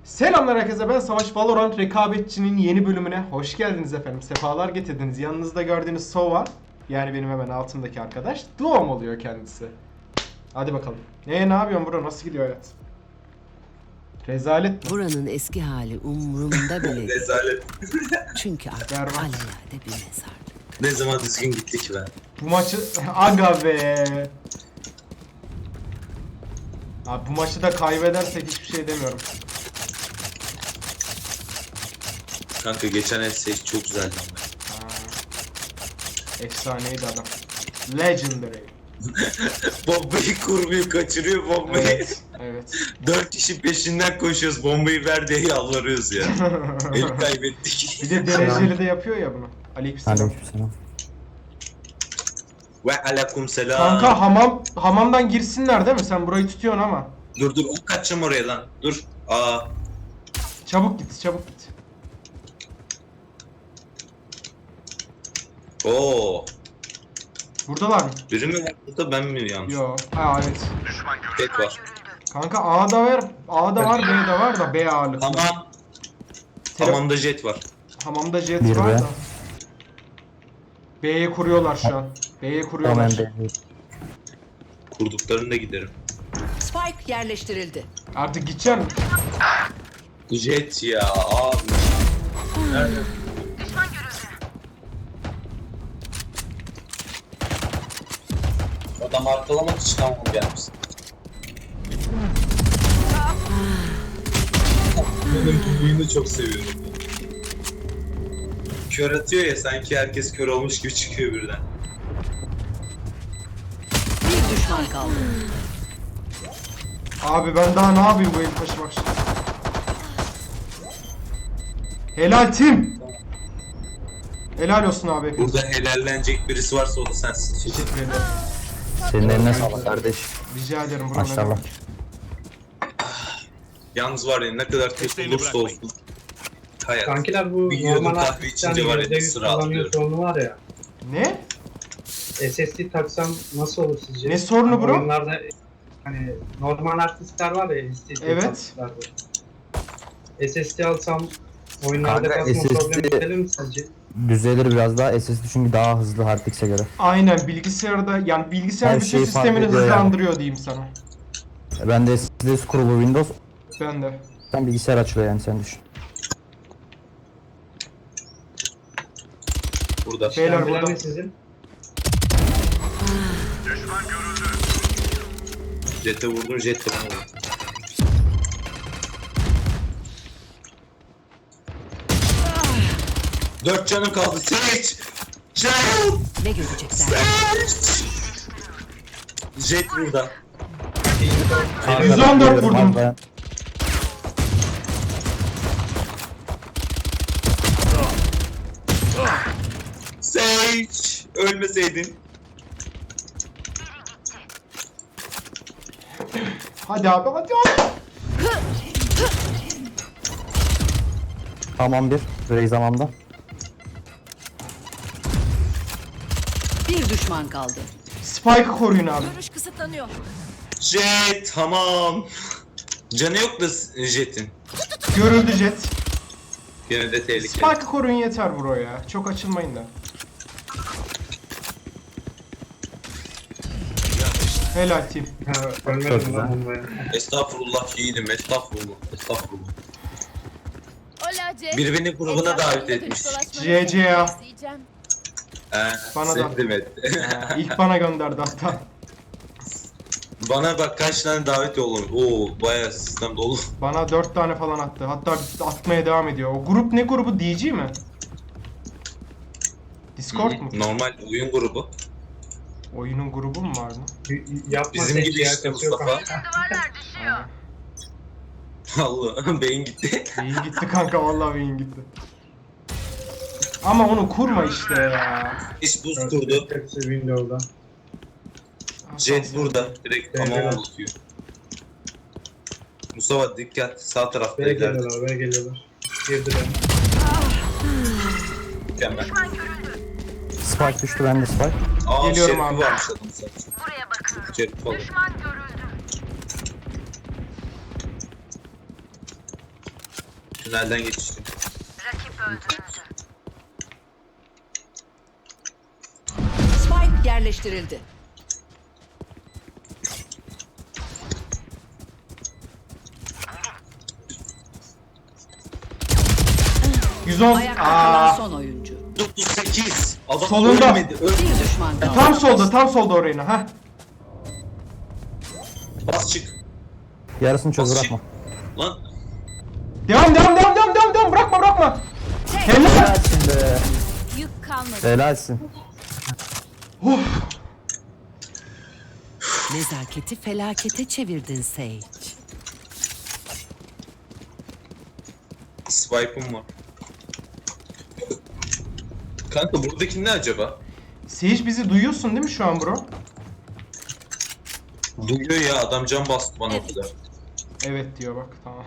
Selamlar herkese, ben Savaş. Valorant rekabetçinin yeni bölümüne hoş geldiniz efendim. Sefalar getirdiniz. Yanınızda gördüğünüz Sova, yani benim hemen altımdaki arkadaş, Doğum oluyor kendisi. Hadi bakalım. Ne yapıyorsun bro? Nasıl gidiyor hayat? Rezalet mi? Buranın eski hali umurumda bile değil. Rezalet. Çünkü artık Berbat. alelade bir mezarlık. Ne zaman düzgün gittik be. Bu maçı... Aga be! Abi bu maçı da kaybedersek hiçbir şey demiyorum. Kanka geçen el seç çok güzeldi. Ha. Efsaneydi adam. Legendary. Bombayı kurmuyor, kaçırıyor bombayı. Evet, evet. 4 kişi peşinden koşuyoruz, bombayı ver diye yalvarıyoruz ya. El kaybettik. Bir de dereceli de yapıyor ya bunu. Aleykümselam. Aleykümselam. Ve aleyküm selam. Kanka hamamdan girsinler değil mi? Sen burayı tutuyorsun ama. Dur o kaçacağım oraya lan. Dur. Aa. Çabuk git, çabuk git. Oo. Buradalar mı? Biri mi var burada, ben mi yanlış? Yo. Ha evet. Tek var. Kanka A'da var, A'da var, B'de var da B ağırlıklı. Tamam. Hamamda jet var. Hamamda jet Bir var B. da. B'ye kuruyorlar şu an. B'ye Hemen kuruyorlar. belli. Kurduklarında giderim. Spike yerleştirildi. Artık gideceksin. Jet ya abi. Nerede? Adam arkalamak için tamam gelmişsin. Benim bu oyunu çok seviyorum. Kör atıyor ya, sanki herkes kör olmuş gibi çıkıyor birden. Bir düşman kaldı. Abi ben daha ne yapayım bu eli taşımak için. Helal Tim. Helal olsun abi hepiniz. Burada helallenecek birisi varsa o da sensin. Teşekkür ederim. Senin eline sağlık kardeş. Rica ederim bro. Maşallah. Yalnız var ya, ne kadar tek olursa olsun. Hayat. Kankiler bu Bir yudum normal kahve aktiften içince var ya, bir %100 sıra kullanıyor atlıyorum. sorunu var ya. Ne? SSD taksam nasıl olur sizce? Ne sorunu bro? Oyunlarda hani normal artistler var ya SSD Evet. takslarda. SSD alsam oyunlarda Kanka, kasma SSD problemi gelir mi sizce? Düzelir biraz daha, SSD çünkü daha hızlı Hardix'e göre. Aynen, bilgisayarda yani bilgisayar Her bütün şeyi sistemini fark ediyor hızlandırıyor diyeyim sana. Ben de SSD scroll'u Windows, Ben de. sen bilgisayar açılıyor yani, sen düşün. Burada. Beyler Kendileri burada. ne sizin? Jet'e vurdum, jet de bana vurdu. Dört canım kaldı. Seç! Jet! Ne görecekler? Seç! Jet burada. 114 vurdum. Ben- Seç! Ölmeseydin. Hadi abi, hadi abi. Tamam bir, Reis zamanda. Bir düşman kaldı. Spike'ı koruyun abi. Görüş kısıtlanıyor. Jet! Tamam. Canı yok da Jet'in. Görüldü jet. Yine de tehlikeli. Spike'ı koruyun yeter bro ya. Çok açılmayın da. Helal team. Ha, Çok ölmedim güzel. lan bombaya. Estağfurullah yiğidim, estağfurullah. Estağfurullah. Ola C. Biri beni grubuna davet etmiş. CC ya. Bana da. Sevdim etti. İlk bana gönderdi hatta. Bana bak kaç tane davet yollamış. Oo, bayağı sistem dolu. Bana 4 tane falan attı. Hatta atmaya devam ediyor. O grup ne grubu? DG mi? Discord mu? Normal oyun grubu. Oyunun grubu mu var mı? Yapma Bizim seç gibi ya, işte kasıyor Mustafa. kanka. Allah, beyin gitti. Beyin gitti kanka, vallahi beyin gitti. Ama onu kurma işte ya. İş buz kurdu. Hepsi Windows'da. Jet burada. Direkt Evet. tamam anlatıyor. Mustafa dikkat, sağ tarafta B'ye ileride. geliyorlar, B'ye geliyorlar. Girdiler. Mükemmel. Spike düştü, ben de Spike. Aa, Geliyorum şerifi abi. varmış adam zaten. Buraya bakın. Şerif falan. Tünelden geçiştim. Spike yerleştirildi. %110. Ayakta kalan Aa, son oyuncu. 38. Adam Solunda. ölmedi. Bir düşman kaldı. tam solda orayına. Ha. Bas çık. Yarısını çöz Bas bırakma. çık. Lan. Devam. Bırakma. Helal. Helalsin be. Yük kalmadı. Helalsin. Nezaketi felakete çevirdin Sage. Swipe'ım var. Kanka buradaki ne acaba? Sage bizi duyuyorsun değil mi şu an bro? Duyuyor ya, adam can bastı bana o Evet. kadar. Evet diyor bak, tamam.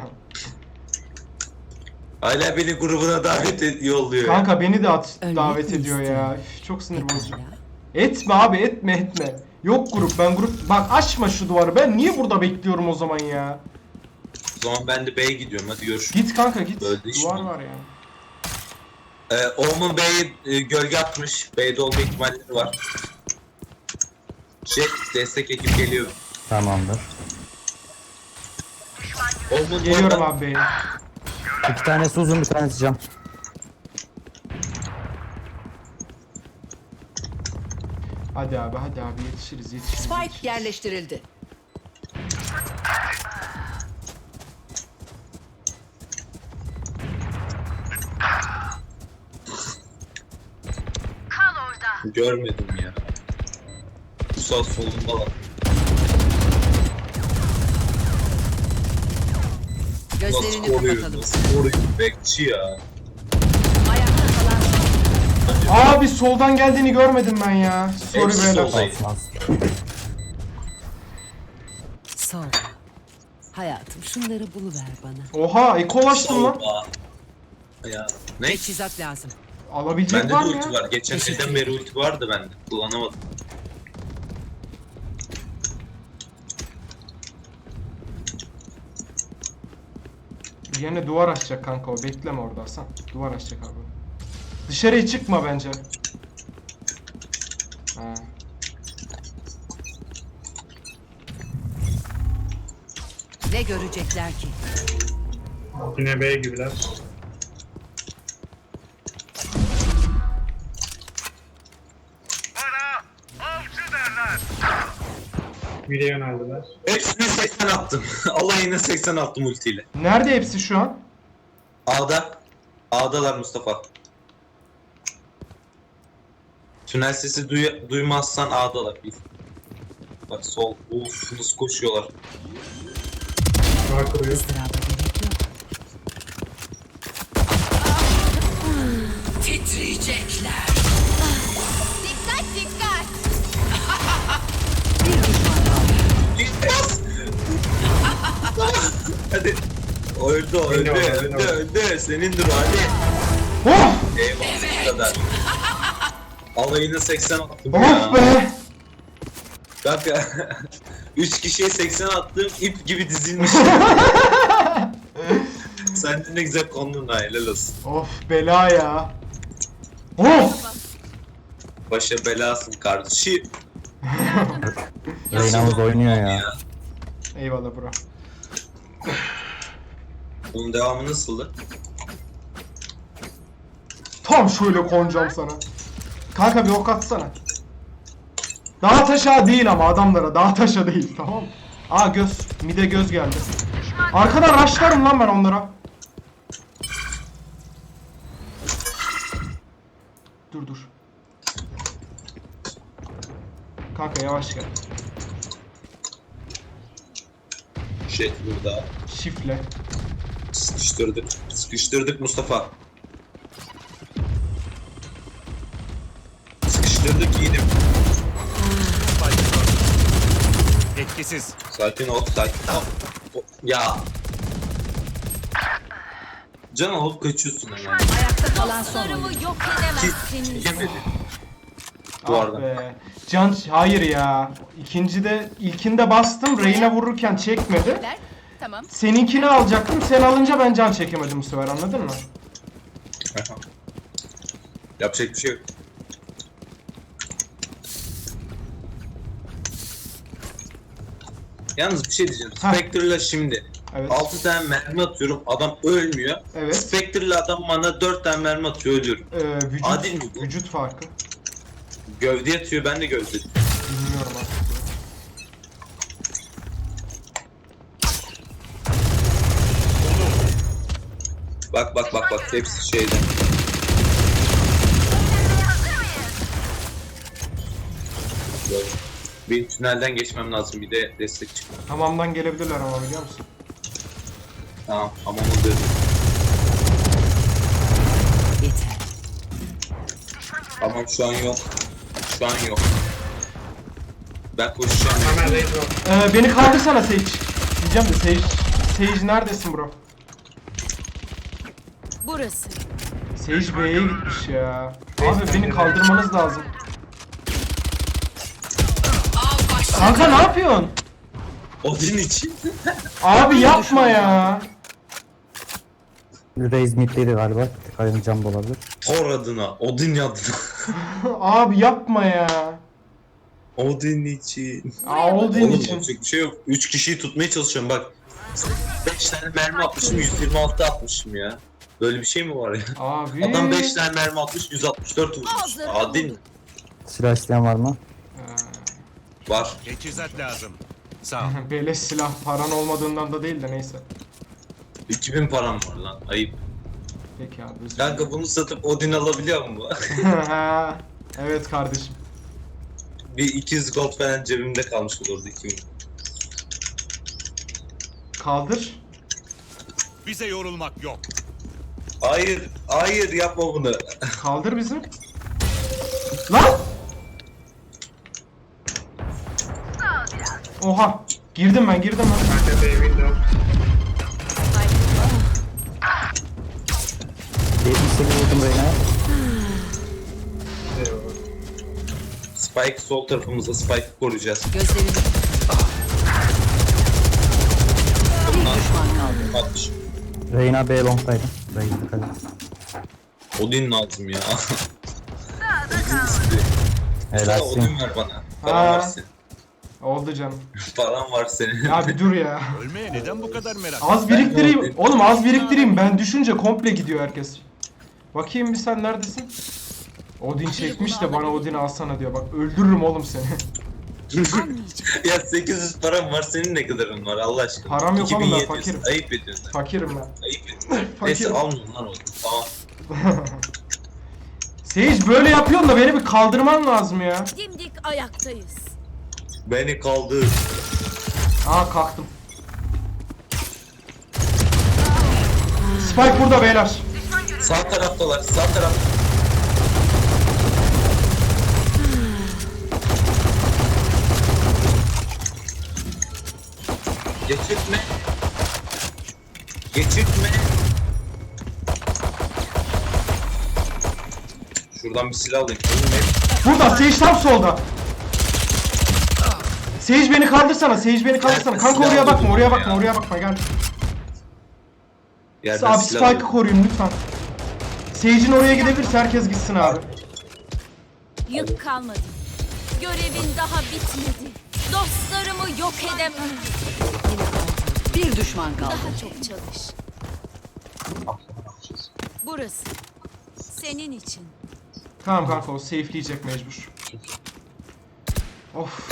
Hala beni grubuna yolluyor ya. Kanka beni de Ölmek davet mi ediyor ya. istiyorsun? Üf, çok sinir bozucu. Pekala. Etme abi, etme. Yok grup, bak açma şu duvarı. Ben niye burada bekliyorum o zaman ya? O zaman ben de B'ye gidiyorum, hadi görüşürüz. Git kanka git. Öldü iş Duvar mi? var ya. Omen B'ye gölge atmış. B'de olma ihtimalleri var. Destek ekip geliyor. Tamamdır. Omen Geliyorum orada. abi beye. 2 tanesi uzun, bir tanesi cam. Hadi abi yetişiriz. Spike yerleştirildi. Görmedim ya. Sağ solunda var. Gözlerini Nasıl koruyor? kapatalım. Nasıl koruyor? Bekçi ya. Ayakta kalan son. Abi soldan geldiğini görmedim ben ya. Sorry Hepsi beyler. soldaydı. Sol. Hayatım şunları buluver bana. Oha, ekolaştım lan. Solda. Ya. Ne? Teçhizat lazım. Alabilecek Bende de var mı ulti ya? var. Geçen Teşekkür şeyden beri ulti vardı bende. Kullanamadım. Yine duvar açacak kanka o. Bekleme orada Hasan. Duvar açacak abi. Dışarıya çıkma bence. Ha. Ne görecekler ki? Yine B gibiler. Bire yöneldiler. Hepsini 80 attım. Alayına 80 attım ultiyle. Nerede hepsi şu an? A'da. A'dalar Mustafa. Tünel sesi duymazsan A'dalar. Bil. Bak sol. Uf nasıl koşuyorlar. Daha kuruyor. Sırada gerek yok. Titriyecekler. Dikkat dikkat. Bir düşman kaldı. Yes! Hadi. Öldü. Senindir o, hadi. Oh! Eyvallah bu kadar. Alayına 80 attım ya. Oh be! Kanka 3 kişiye 80 attım, ip gibi dizilmiş. Sen de ne güzel kondun ha, helal olsun. Of bela ya. Oh! Başa belasın kardeşi. Reyna'mız oynuyor ya. Eyvallah bro. Bunun devamı nasıldı? Tam şöyle konacağım sana. Kanka bir ok atsana. Daha taşa değil ama adamlara. Daha taşa değil, tamam mı? Aa göz. Mide göz geldi. Arkadan rushlarım lan ben onlara. Dur. Kanka yavaş gel. Burada. Şifle. Sıkıştırdık Mustafa. Sıkıştırdık yiğidim. Etkisiz. Sakin ol. Ya. Can alıp kaçıyorsun hemen. Ayakta kalan son Dostlarımı oyuncu. yok edemezsiniz. Yemedi. Ah Duvardan. be. Can hayır ya. İlkinde bastım. Reyna vururken çekmedi. Tamam. Seninkini alacaktım. Sen alınca ben can çekemedim bu sefer, anladın mı? Yapacak bir şey yok. Yalnız bir şey diyeceğim. Heh. Spectre'la şimdi Evet. 6 tane mermi atıyorum, adam ölmüyor. Evet. Spectre'la adam bana 4 tane mermi atıyor, ölüyorum. Vücut, Adil mi bu? vücut farkı. Gövde atıyor, ben de gövde. Bilmiyorum artık. Bak hepsi şeyde. Böyle. Bir tünelden geçmem lazım, bir de destek çıkmam. Hamamdan gelebilirler ama, biliyor musun? Tamam, hamamı dönüyorum. Yeter. Tamam, şu an yok. Şu an yok. Ben koşacağım. Hemen raid var. Beni kaldırsana Sage. Diyeceğim de Sage neredesin bro? Burası. Sage B'ye gitmiş ya. Abi beni kaldırmanız lazım. Kanka ne yapıyorsun? Odin için. Abi yapma ya. Raze mid'deydi galiba. Kayın jump olabilir. Thor adına, Odin adına. Abi yapma ya. Odin için. Olduğun Oğlum için. yapacak bir şey yok. 3 kişiyi tutmaya çalışıyorum bak. 5 tane mermi atmışım, 126 atmışım ya. Böyle bir şey mi var ya? Abi. Adam 5 tane mermi atmış, 164 vurmuş. Ağzları Adil mi? Silah isteyen var mı? Var. Teçhizat lazım. Sağ ol. Beleş silah paran olmadığından da değil de neyse. 2000 param var lan, ayıp. Peki abi. özür Kanka bunu satıp Odin alabiliyor mu? dilerim. Evet kardeşim. Bir 200 gold falan cebimde kalmış olurdu 2000. Kaldır. Bize yorulmak yok. Hayır yapma bunu. Kaldır bizim. Lan! Oha! Girdim ben. Bende de window. 78 vurdum Reyna'ya. Eyvallah. Spike sol tarafımızda, Spike'ı koruyacağız. Gözlerini. Bir düşman kaldı. 60. Reyna B long'daydı. Reyna dikkat et. Odin lazım ya. Odin istiyor. Helalsin. Odin ver bana. Param Ha. var senin. Oldu canım. Param var senin. Ya bir dur ya. Ölmeye neden bu kadar merak? Az biriktireyim. Oğlum az biriktireyim. Ben düşünce komple gidiyor herkes. Bakayım bir, sen neredesin? Odin çekmiş de bana Odin alsana diyor. Bak öldürürüm oğlum seni. Ya 800 param var, senin ne kadarın var Allah aşkına? Param yok oğlum, ben 2700. fakirim. Ayıp ediyorsun. Fakirim ben. Ayıp ediyorsun. Neyse Fakirim. almıyorum lan Odin. Tamam. Sage böyle yapıyorsun da beni bir kaldırman lazım ya. Dimdik ayaktayız. Beni kaldır. Aa kalktım. Spike burada beyler. Sağ taraftalar, sağ taraf. Geçirtme. Geçirtme. Şuradan bir silah alayım. Oğlum hep Burada Sage tam solda. Sage beni kaldırsana. Sage beni kaldırsana. Kanka oraya bakma, oraya bakma, oraya bakma, gel. yerden Abi silah Spike'ı alayım. koruyun lütfen. Sage'in oraya gidebilirse herkes gitsin abi. Yük kalmadı. Görevin daha bitmedi. Dostlarımı yok edemem. Bir düşman kaldı. Daha çok çalış. Burası. Senin için. Tamam kanka, o safe'leyecek mecbur. Of.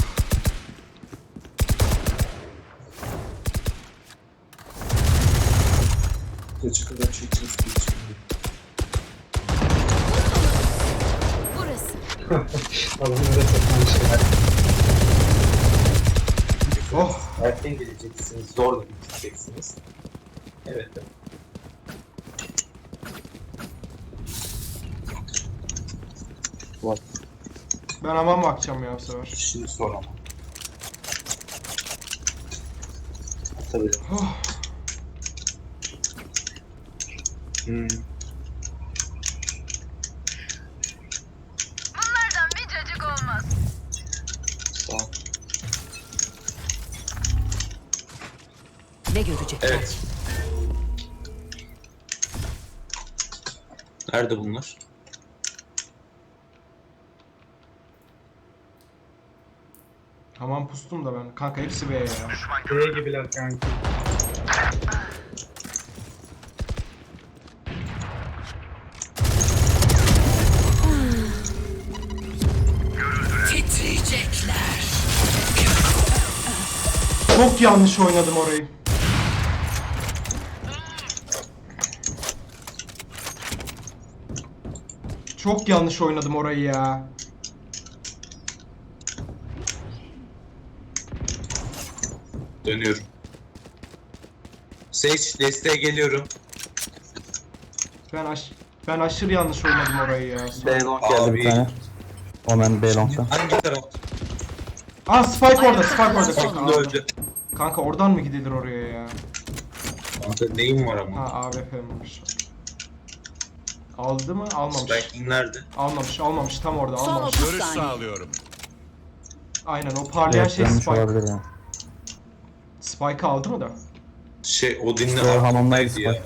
Burası. Alımda satılan şeyler. Oh. Erken geleceksiniz, zor da gideceksiniz. Evet. Ben aman bakacağım ya bu sefer. Şimdi sor ama. Tabii. Oh. Bunlardan bir cacık olmaz. Sağ ol. Ne görecekler? Evet. Nerede bunlar? Tamam pustum da ben. Kanka hepsi B ya. B gibiler kanki. Titriyecekler. Çok yanlış oynadım orayı. Çok yanlış oynadım orayı ya. Dönüyorum. Sage desteğe geliyorum. Ben aşırı yanlış oynadım orayı ya. B long geldi bir tane. Omen B long'dan. Hangi taraf? Aa Spike orada, Spike orada. Spike'ın Kanka, da aldım. öldü. Kanka oradan mı gidilir oraya ya? Kanka neyim var ama? Ha AWP'miş. Aldı mı? Almamış. Spike'ın nerede? Almamış. Tam orada Son almamış. 30 Görüş saniye. sağlıyorum. Aynen o parlayan Evet, şey yanlış Spike. olabilir ya. Spike aldı mı da? Odin'le İşte o hamamdaydı arkamdaydı ya. Spike.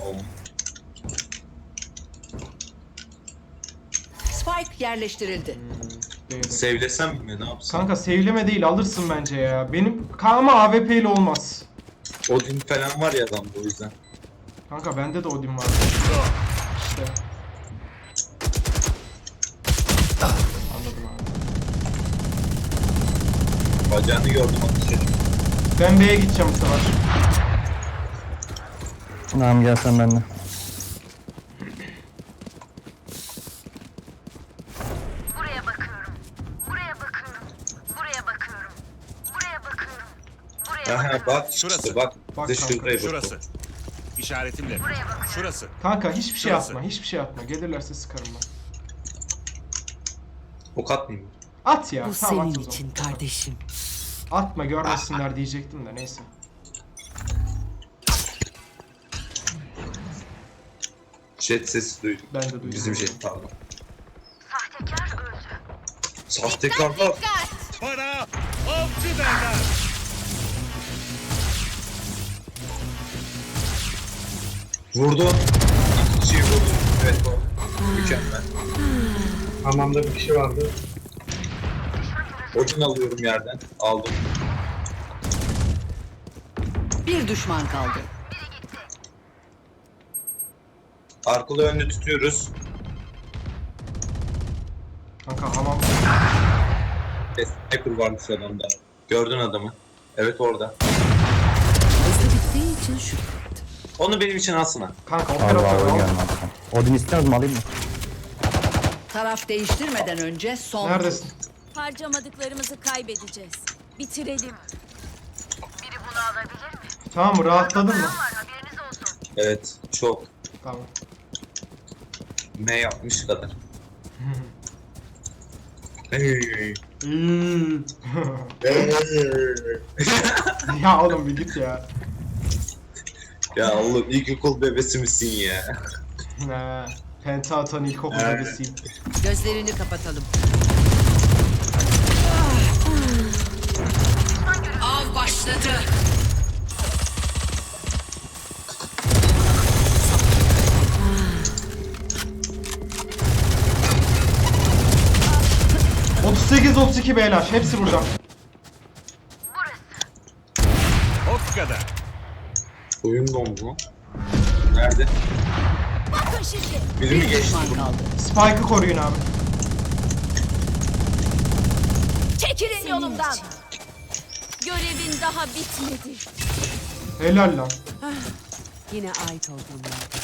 Spike yerleştirildi. Değildi. Sevlesem mi ne yapsam? Kanka sevleme değil alırsın bence ya. Ama AWP ile olmaz. Odin falan var ya adamda o yüzden. Kanka bende de Odin var. İşte. Anladım abi. Bacağını gördüm ateş. Ben B'ye gideceğim bu sefer. Tamam gel sen benimle. Buraya bakıyorum. Buraya bakıyorum. Buraya bakıyorum. Buraya bakıyorum. Buraya Aha bak Şurası. işte bak. Bak Bir de kanka, şuraya bak. Şurası. İşaretimle. Şurası. Kanka hiçbir şey Şurası. atma, hiçbir şey atma. Gelirlerse sıkarım ben. Ok atmayayım. At ya, Bu tamam at senin o zaman. için kardeşim. Atma görmesinler diyecektim de neyse. Jet sesi duydum. Ben de duydum. Bizim jet pardon. Sahtekar öldü. Sahtekarlar. Bana avcı derler. Vurdu. Kişiyi vurdu. Evet o. Mükemmel. Hamamda bir kişi vardı. Odin alıyorum yerden. Aldım. Bir düşman kaldı. Arkalı önlü tutuyoruz. Kanka hamam. Sniper varmış adamda. Gördün adamı. Evet orada. Hızlı bittiği için şükret. Onu benim için alsana. Kanka Allah operatör Allah al. gelme artık. Odin istiyoruz mu alayım mı? Taraf değiştirmeden önce son. Neredesin? Harcamadıklarımızı kaybedeceğiz. Bitirelim. Biri bunu alabilir mi? Tamam mı? Rahatladın mı? Var haberiniz olsun. Evet. Çok. Tamam. M yapmış kadar. Hey. İyi. Ya oğlum bir git ya. Ya oğlum ilkokul bebesi misin ya? Ha, Penta atan ilkokul Evet. bebesiyim. Gözlerini kapatalım. Av başladı. ...38 32 beyler. Hepsi burada. O kadar. Oyun dondu mu? Nerede? Bakın şimdi. Biri mi Bir geçti? düşman kaldı. Spike'ı koruyun abi. Çekilin yolumdan. Görevin daha bitmedi. Helal lan. Yine ait olduğum yerde.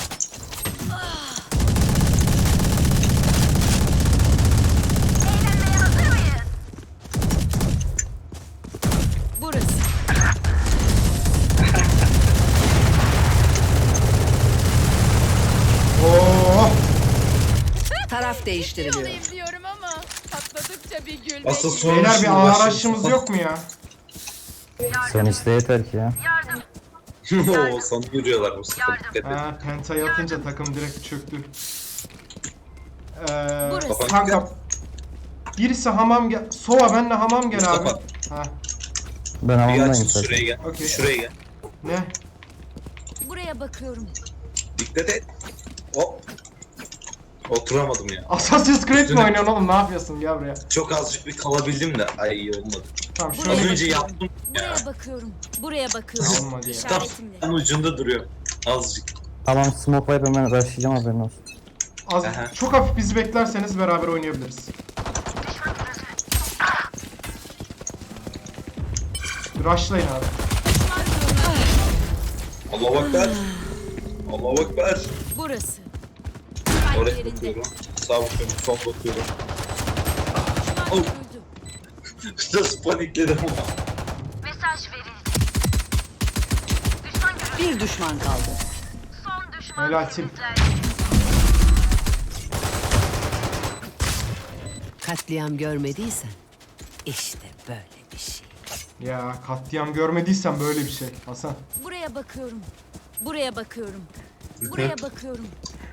Eğlenmeye hazır mıyız? Burası. Oo. Taraf değiştiriliyor. diyorum ama patladıkça bir gül Asıl sorun Beyler bir şimdi ağır başladı. aşımız yok mu ya? Sen iste yeter ki ya. Oo, sana yürüyorlar bu sefer. Dikkat et. Ha, Penta'yı atınca takım direkt çöktü. Burası. Kanka. Birisi hamam gel. Sova benle hamam gel abi. Mustafa. Ha, Ben Bir hamamdayım aç zaten. şuraya gel. Okey. Şuraya gel. ne? Buraya bakıyorum. Dikkat et. Hop. Oturamadım ya. Assassin's Creed mi Üstüne- oynuyorsun oğlum? Ne yapıyorsun? Gel buraya. Çok azıcık bir kalabildim de. Ay iyi olmadı. Tamam Az şöyle önce yaptım ya. Buraya bakıyorum. Buraya bakıyorum. Olmadı ya. İşaretimle. Tam ucunda duruyor. Azıcık. Tamam smoke'layıp hemen rushlayacağım haberin olsun. Az, Aha. çok hafif bizi beklerseniz beraber oynayabiliriz. Rushlayın abi. Allahu Ekber. Allahu Ekber. Burası. Spike Oraya yerinde. bakıyorum. Sağ bakıyorum. Sol bakıyorum. Düşman Oh. görüldü. Nasıl panikledim ama. Bir düşman kaldı. Helal tim. Katliam görmediysen işte böyle bir şey. Ya katliam görmediysen böyle bir şey Hasan. Buraya bakıyorum. Buraya bakıyorum. Buraya bakıyorum.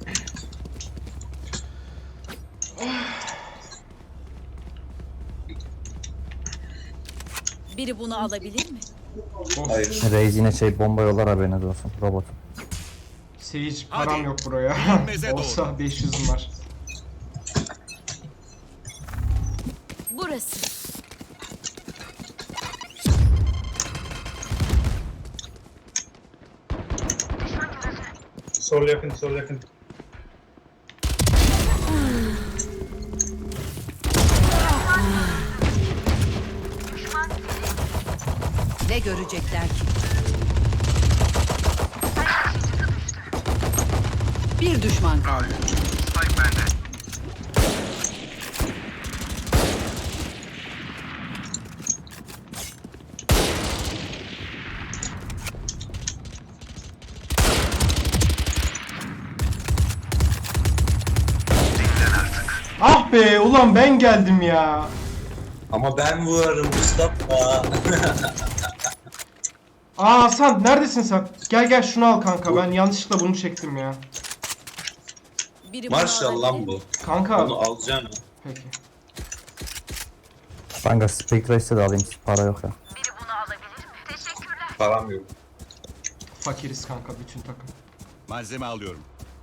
Biri bunu alabilir mi? Hayır. Reis yine bomba yollar haberiniz olsun. Robot. Sage param Hadi. yok buraya. Bilmeze Olsa 500'üm var. Burası. Sol yakın, sol yakın. Ne görecekler ki? Bir düşman kaldı. Ah be ulan ben geldim ya. Ama ben varım Mustafa. Aa Hasan neredesin sen? Gel gel şunu al kanka, ben yanlışlıkla bunu çektim ya. Biri bunu Maşallah alabilir mi? bu. Kanka. Bunu alacağım. Peki. Kanka Spectre ise de alayım. Para yok ya. Param yok. Fakiriz kanka bütün takım. Malzeme alıyorum.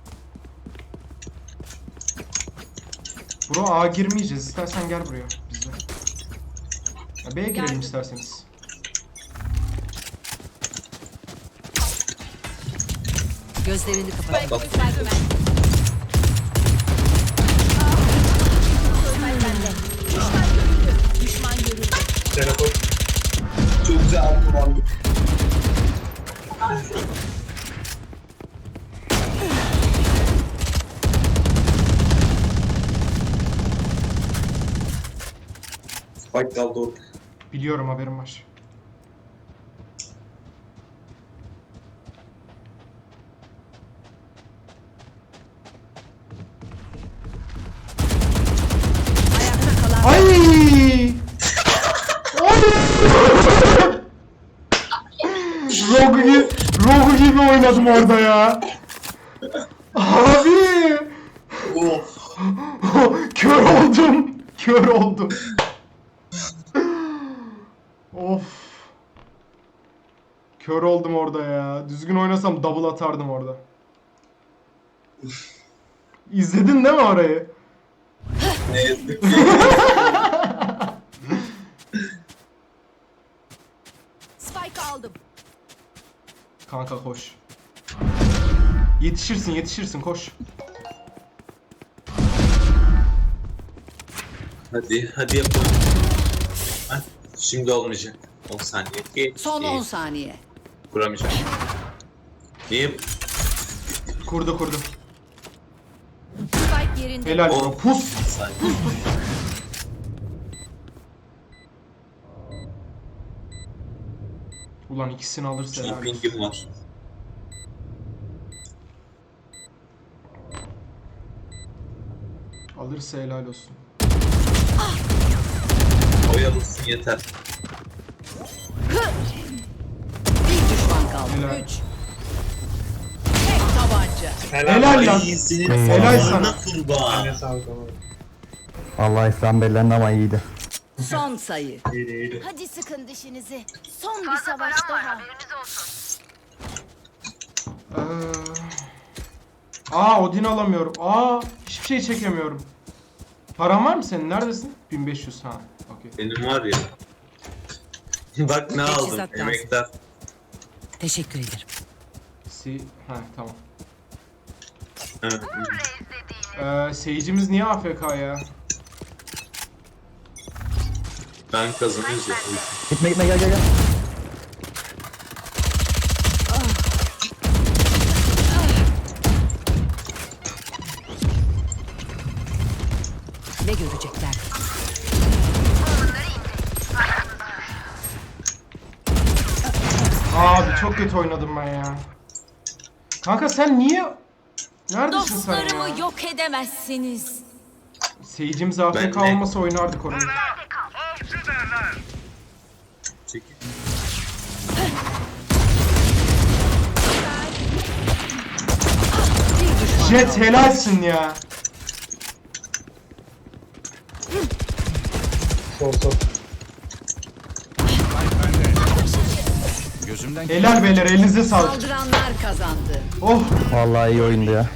Bro A girmeyeceğiz. İstersen gel buraya bizle. Ya B'ye girelim Yardım. isterseniz. Gözlerini kapat. Bak. Düşman görüldü. Teleport. Çok güzel kullandım. Spike kaldı orada. Biliyorum, haberim var. Ayakta kalan Ay! Ay! Rogu gibi oynadım orada ya. Abi! Of. Kör oldum. Kör oldum. Of. Kör oldum orada ya. Düzgün oynasam double atardım orada. İzledin değil mi orayı? Ne yazık ki. Spike aldım. Kanka koş. Yetişirsin, yetişirsin, koş. Hadi, hadi yapalım. Ha, şimdi olmayacak. 10 saniye. Geç. son 10 saniye. Kuramayacağım. Niye? Kurdu kurdu. Spike yerinde. Helal On bro. Pus. saniye. Ulan ikisini alırsa helal olsun. Jumping'im var. Alırsa helal olsun. Oyalasın yeter. Bir düşman kaldı. Helal. 3. Tek tabanca. Helal lan. Ay, senin Helal sağlığına sana. kurban. Ne sağlık ama. Allah ifram bellendi ama iyiydi. Son sayı. İyiydi, iyiydi. Hadi sıkın dişinizi. Son bir savaş daha. Odin alamıyorum. Hiçbir şey çekemiyorum. Paran var mı senin? Neredesin? 1500 ha. Okey. Benim var ya. Bak ne aldım. Teçhizat lazım. Emektar. Teşekkür ederim. Tamam. Evet. Seyircimiz niye AFK ya? Ben kazanıyoruz ya. Gitme gel. Ne görecekler? Abi çok kötü oynadım ben ya. Kanka sen niye... Neredesin sen ya? Dostlarımı yok edemezsiniz. Seyircimiz AFK Ben de- olmasa oynardık onu. Çekil. Bir düşman Jet kaldı. helalsin ya. Sol. Gözümden Helal beyler, elinize sağlık. Saldıranlar kazandı. Oh. Vallahi iyi oyundu ya.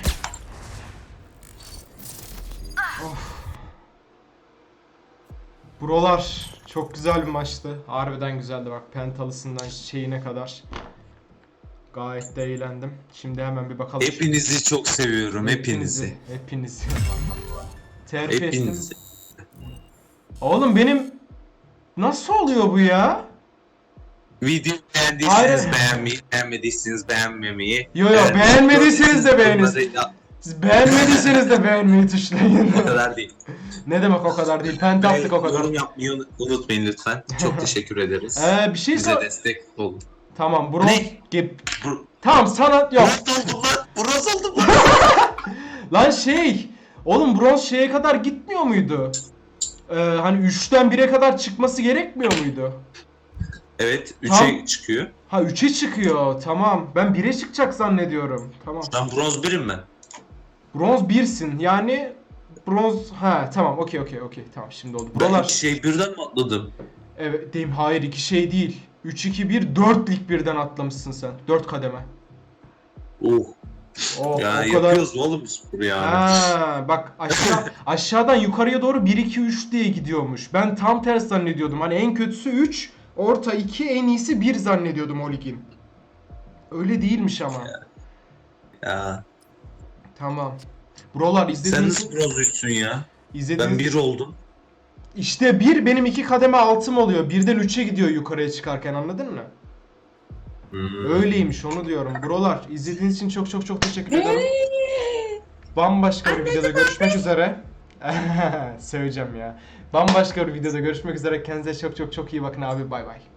Brolar çok güzel bir maçtı. Harbiden güzeldi bak, pentalısından şeyine kadar. Gayet de eğlendim. Şimdi hemen bir bakalım. Hepinizi çok seviyorum. Hepinizi. Hepinizi. Terfi ettim. Hepinizi. Oğlum benim nasıl oluyor bu ya? Videoyu Hayır. beğendiyseniz beğenmeyi, beğenmediyseniz beğenmemeyi. Yo, Eğer beğenmediyseniz de beğenin. bunları- Siz beğenmediyseniz de beğenmeyi tuşlayın. O kadar değil. Ne demek o kadar değil? Pentattık o kadar. Yorum yapmayı unutmayın lütfen. Çok teşekkür ederiz. Bir şey Bize sor. destek olun. Tamam bro. Ne? Bu- Tamam sana yok. Bronz oldum lan. Bronz oldum lan. Lan oğlum bronz şeye kadar gitmiyor muydu? Hani 3'ten 1'e kadar çıkması gerekmiyor muydu? Evet, 3'e Tam- çıkıyor. Ha 3'e çıkıyor. Tamam. Ben 1'e çıkacak zannediyorum. Tamam. Ben bronz 1'im ben. Bronz 1'sin. Yani bronz tamam. Okey. Tamam şimdi oldu. Ben Buralar iki şey birden mi atladım? evet diyeyim, hayır iki şey değil. 3 2 1 4 lig birden atlamışsın sen. 4 kademe. Oh, Ya o kadar. yapıyoruz oğlum biz bunu ya. Bak aşağıdan yukarıya doğru 1 2 3 diye gidiyormuş. Ben tam ters zannediyordum. Hani en kötüsü 3, orta 2, en iyisi 1 zannediyordum o ligin. Öyle değilmiş ama. Ya. Tamam. Brolar Sen izlediğiniz nasıl bronz 3'sün ya? Ben izlediğiniz 1 oldum. İşte 1 benim 2 kademe altım oluyor. 1'den 3'e gidiyor yukarıya çıkarken, anladın mı? Öyleymiş, onu diyorum. Brolar izlediğiniz için çok teşekkür ederim. Bambaşka bir videoda görüşmek üzere. Söyleyeceğim ya. Bambaşka bir videoda görüşmek üzere. Kendinize çok iyi bakın abi. Bay bay.